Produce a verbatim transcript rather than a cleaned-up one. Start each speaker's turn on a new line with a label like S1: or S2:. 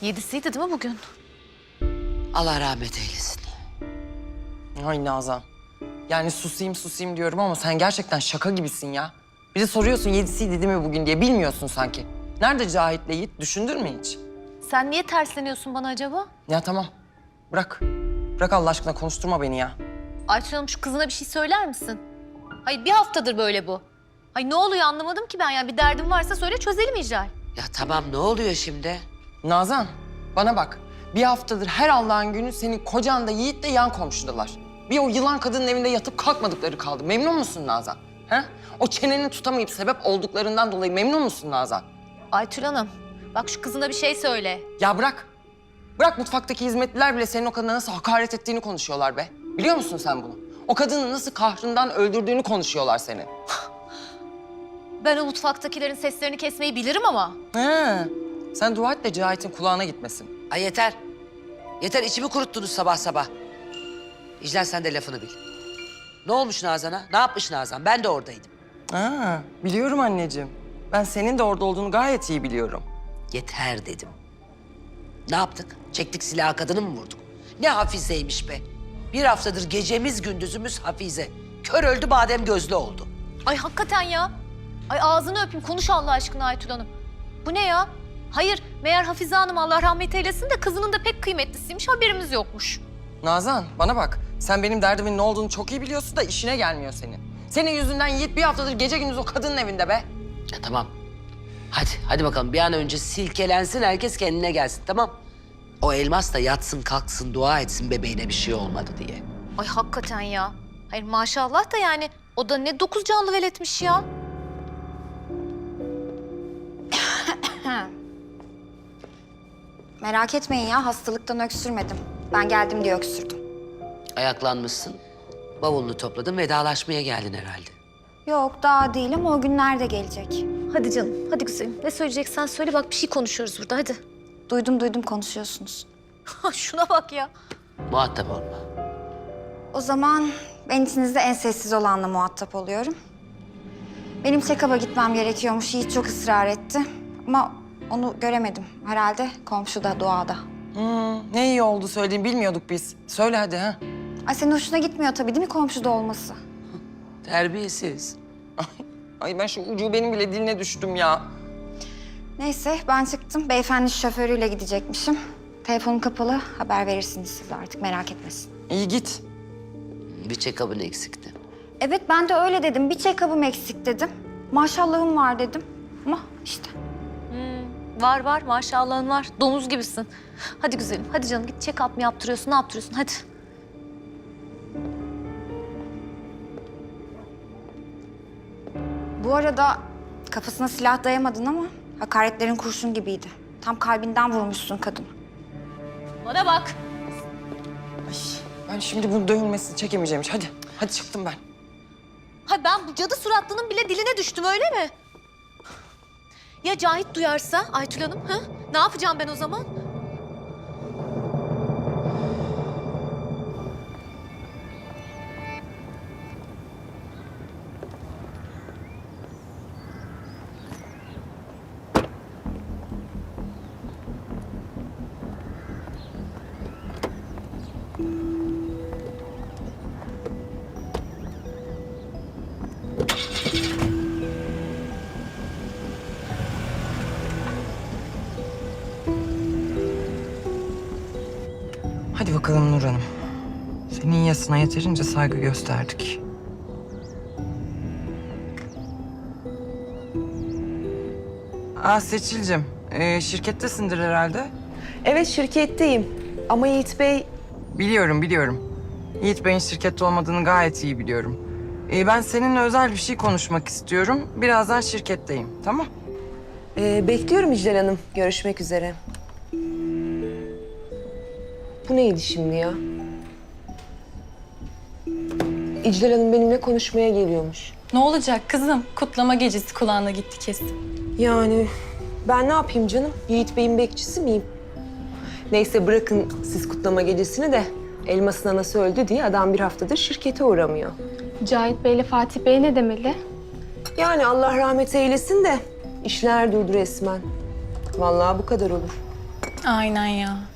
S1: Yedisiydi değil mi bugün?
S2: Allah rahmet eylesin.
S3: Ay Nazan. Yani susayım susayım diyorum ama sen gerçekten şaka gibisin ya. Bir de soruyorsun yedisiydi değil mi bugün diye. Bilmiyorsun sanki. Nerede Cahit'le Yiğit? Düşündün mü hiç?
S1: Sen niye tersleniyorsun bana acaba?
S3: Ya tamam. Bırak. Bırak Allah aşkına konuşturma beni ya.
S1: Aytül Hanım şu kızına bir şey söyler misin? Hayır bir haftadır böyle bu. Ay ne oluyor anlamadım ki ben yani. Bir derdin varsa söyle çözelim İclal.
S2: Ya tamam ne oluyor şimdi?
S3: Nazan bana bak. Bir haftadır her Allah'ın günü senin kocan da Yiğit de yan komşudalar. Bir o yılan kadının evinde yatıp kalkmadıkları kaldı. Memnun musun Nazan? He? O çeneni tutamayıp sebep olduklarından dolayı memnun musun Nazan?
S1: Aytül Hanım bak şu kızına bir şey söyle.
S3: Ya bırak. Bırak mutfaktaki hizmetliler bile senin o kadına nasıl hakaret ettiğini konuşuyorlar be. Biliyor musun sen bunu? O kadını nasıl kahrından öldürdüğünü konuşuyorlar senin.
S1: Ben o mutfaktakilerin seslerini kesmeyi bilirim ama.
S3: He. Sen dua et de Cahit'in kulağına gitmesin.
S2: Ay yeter. Yeter içimi kuruttunuz sabah sabah. İclal sen de lafını bil. Ne olmuş Nazan'a? Ne yapmış Nazan? Ben de oradaydım.
S3: Ha, biliyorum anneciğim. Ben senin de orada olduğunu gayet iyi biliyorum.
S2: Yeter dedim. Ne yaptık? Çektik silahı kadını mı vurduk? Ne Hafize'ymiş be. Bir haftadır gecemiz gündüzümüz Hafize. Kör öldü badem gözlü oldu.
S1: Ay hakikaten ya. Ay ağzını öpeyim konuş Allah aşkına Aytül Hanım. Bu ne ya? Hayır meğer Hafize Hanım Allah rahmet eylesin de kızının da pek kıymetlisiymiş haberimiz yokmuş.
S3: Nazan bana bak. Sen benim derdimin ne olduğunu çok iyi biliyorsun da işine gelmiyor senin. Senin yüzünden Yiğit bir haftadır gece gündüz o kadının evinde be.
S2: Ya tamam. Hadi, hadi bakalım bir an önce silkelensin herkes kendine gelsin tamam. O elmas da yatsın kalksın dua etsin bebeğine bir şey olmadı diye.
S1: Ay hakikaten ya. Hayır maşallah da yani o da ne dokuz canlı veletmiş ya.
S4: Merak etmeyin ya, hastalıktan öksürmedim. Ben geldim diye öksürdüm.
S2: Ayaklanmışsın, bavulunu topladın vedalaşmaya geldin herhalde.
S4: Yok, daha değil ama o günler de gelecek.
S1: Hadi canım hadi güzelim ne söyleyeceksen söyle bak bir şey konuşuyoruz burada hadi.
S4: Duydum duydum konuşuyorsunuz.
S1: Şuna bak ya.
S2: Muhatap olma.
S4: O zaman ben içinizde en sessiz olanla muhatap oluyorum. Benim check-up'a gitmem gerekiyormuş. Yiğit çok ısrar etti. Ama onu göremedim. Herhalde komşuda, doğada.
S3: Hmm, ne iyi oldu söylediğini bilmiyorduk biz. Söyle hadi ha.
S4: Ay senin hoşuna gitmiyor tabii değil mi komşuda olması?
S2: Terbiyesiz.
S3: Ay ben şu ucubenin bile diline düştüm ya.
S4: Neyse ben çıktım. Beyefendi şoförüyle gidecekmişim. Telefonum kapalı. Haber verirsiniz siz artık merak etmesin.
S3: İyi git.
S2: Bir check-up'ın eksikti.
S4: Evet ben de öyle dedim. Bir check-up'ım eksik dedim. Maşallahım var dedim. Ama işte.
S1: Var var maşallahın var. Domuz gibisin. Hadi güzelim hadi canım git check-up mı yaptırıyorsun ne yaptırıyorsun hadi.
S4: Bu arada kafasına silah dayamadın ama hakaretlerin kurşun gibiydi. Tam kalbinden vurmuşsun kadını.
S1: Bana bak.
S3: Ay, ben şimdi bunun dövülmesini çekemeyeceğim. Hadi, hadi çıktım ben.
S1: Ha ben bu cadı suratlının bile diline düştüm öyle mi? Ya Cahit duyarsa Aytül Hanım ha? Ne yapacağım ben o zaman?
S3: Hadi bakalım Nur Hanım. Senin yasına yeterince saygı gösterdik. Aa Seçil'cim, ee, şirkettesindir herhalde.
S5: Evet şirketteyim ama Yiğit Bey
S3: Biliyorum, biliyorum. Yiğit Bey'in şirkette olmadığını gayet iyi biliyorum. Ee, ben seninle özel bir şey konuşmak istiyorum. Birazdan şirketteyim, tamam?
S5: e, bekliyorum İclal Hanım. Görüşmek üzere. Bu neydi şimdi ya? İclal Hanım benimle konuşmaya geliyormuş.
S6: Ne olacak kızım? Kutlama gecesi kulağına gitti kesin.
S5: Yani ben ne yapayım canım? Yiğit Bey'in bekçisi miyim? Neyse bırakın siz kutlama gecesini de Elmas'ın anası öldü diye adam bir haftadır şirkete uğramıyor.
S6: Cahit Bey ile Fatih Bey ne demeli?
S5: Yani Allah rahmet eylesin de işler durdu resmen. Vallahi bu kadar olur.
S6: Aynen ya.